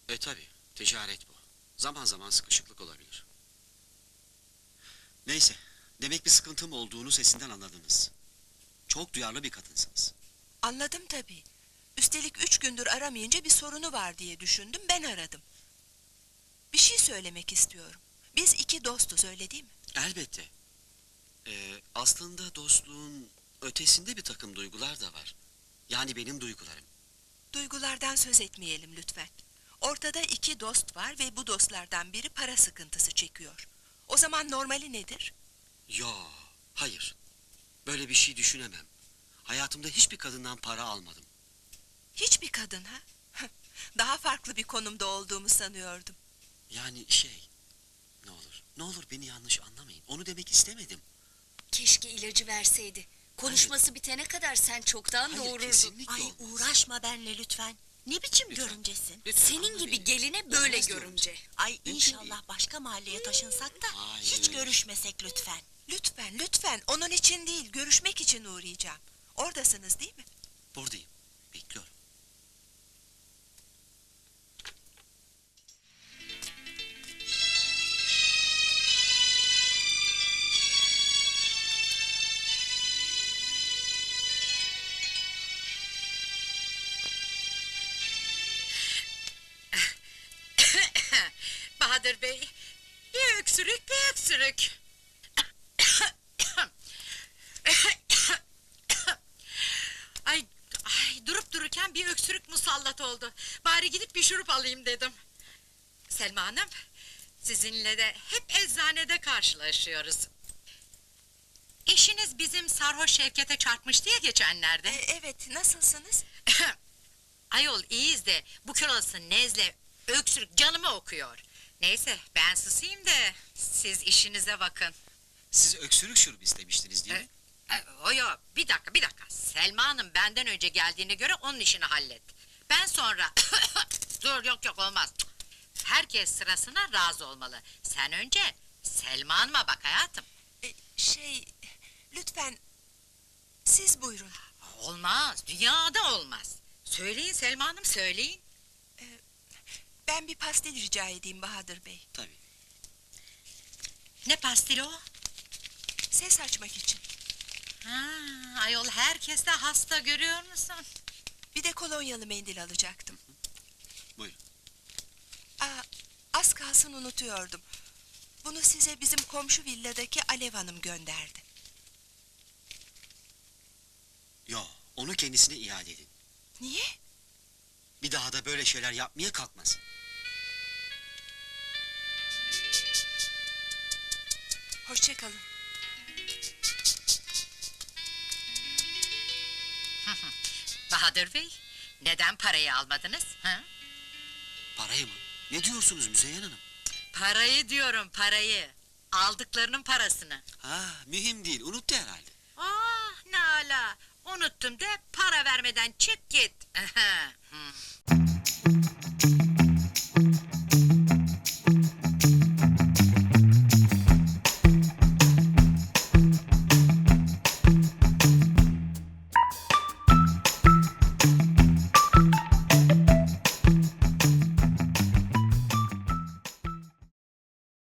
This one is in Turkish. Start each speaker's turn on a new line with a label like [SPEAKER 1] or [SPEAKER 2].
[SPEAKER 1] Tabii, ticaret bu. Zaman zaman sıkışıklık olabilir. Neyse, demek bir sıkıntım olduğunu sesinden anladınız. Çok duyarlı bir kadınsınız.
[SPEAKER 2] Anladım tabii. Üstelik 3 gündür aramayınca bir sorunu var diye düşündüm, ben aradım. Bir şey söylemek istiyorum. Biz 2 dostuz, öyle değil mi?
[SPEAKER 1] Elbette. Aslında dostluğun ötesinde bir takım duygular da var. Yani benim duygularım.
[SPEAKER 2] Duygulardan söz etmeyelim lütfen. Ortada 2 dost var ve bu dostlardan biri para sıkıntısı çekiyor. O zaman normali nedir?
[SPEAKER 1] Yo, hayır. Böyle bir şey düşünemem. Hayatımda hiçbir kadından para almadım.
[SPEAKER 2] Hiçbir kadın ha? Daha farklı bir konumda olduğumu sanıyordum.
[SPEAKER 1] Yani ne olur beni yanlış anlamayın. Onu demek istemedim.
[SPEAKER 3] Keşke ilacı verseydi. Konuşması bitene kadar sen çoktan
[SPEAKER 1] Hayır,
[SPEAKER 3] doğururdun.
[SPEAKER 1] kesinlikle
[SPEAKER 4] Ay
[SPEAKER 1] olmaz.
[SPEAKER 4] uğraşma benle lütfen. Ne biçim
[SPEAKER 1] Lütfen.
[SPEAKER 4] görümcesin?
[SPEAKER 1] Lütfen
[SPEAKER 3] Senin
[SPEAKER 1] anla
[SPEAKER 3] gibi
[SPEAKER 1] beni.
[SPEAKER 3] geline böyle
[SPEAKER 1] Olmaz diyorum.
[SPEAKER 3] görümce.
[SPEAKER 4] Ay
[SPEAKER 1] Mümkün
[SPEAKER 4] inşallah başka mahalleye taşınsak da hiç
[SPEAKER 1] Hayır.
[SPEAKER 4] görüşmesek lütfen.
[SPEAKER 2] Lütfen, lütfen. Onun için değil, görüşmek için uğrayacağım. Oradasınız değil mi?
[SPEAKER 1] Buradayım. Bekliyorum.
[SPEAKER 5] Bahadır Bey, bir öksürük, bir öksürük. Ay, durup dururken bir öksürük musallat oldu. Bari gidip bir şurup alayım dedim. Selma Hanım, sizinle de hep eczanede karşılaşıyoruz. Eşiniz bizim sarhoş Şevket'e çarpmıştı ya geçenlerde.
[SPEAKER 2] Evet, nasılsınız?
[SPEAKER 5] Ayol iyiyiz de bu kilolası nezle, öksürük canımı okuyor. Neyse ben susayım da siz işinize bakın.
[SPEAKER 1] Siz öksürük şurubu istemiştiniz değil mi?
[SPEAKER 5] Oyo bir dakika. Selma Hanım benden önce geldiğine göre onun işini hallet. Ben sonra... Dur yok olmaz. Herkes sırasına razı olmalı. Sen önce Selma Hanım'a bak hayatım.
[SPEAKER 2] Lütfen, siz buyurun.
[SPEAKER 5] Olmaz, dünyada olmaz. Söyleyin Selma Hanım, söyleyin.
[SPEAKER 2] Ben bir pastil rica edeyim Bahadır Bey.
[SPEAKER 1] Tabii.
[SPEAKER 5] Ne pastili o?
[SPEAKER 2] Ses açmak için.
[SPEAKER 5] Ha, ayol herkes de hasta, görüyor musun?
[SPEAKER 2] Bir de kolonyalı mendil alacaktım.
[SPEAKER 1] Buyurun.
[SPEAKER 2] Az kalsın unutuyordum. Bunu size bizim komşu villadaki Alev Hanım gönderdi.
[SPEAKER 1] Yo, onu kendisine iade edin.
[SPEAKER 2] Niye?
[SPEAKER 1] Bir daha da böyle şeyler yapmaya kalkmasın.
[SPEAKER 2] Hoşça kalın.
[SPEAKER 5] Bahadır Bey, neden parayı almadınız? Ha?
[SPEAKER 1] Parayı mı? Ne diyorsunuz Müzeyyen Hanım?
[SPEAKER 5] Parayı diyorum, parayı. Aldıklarının parasını.
[SPEAKER 1] Mühim değil, unuttu herhalde.
[SPEAKER 5] Ah ne ala! Unuttum de para vermeden çık git. Hı.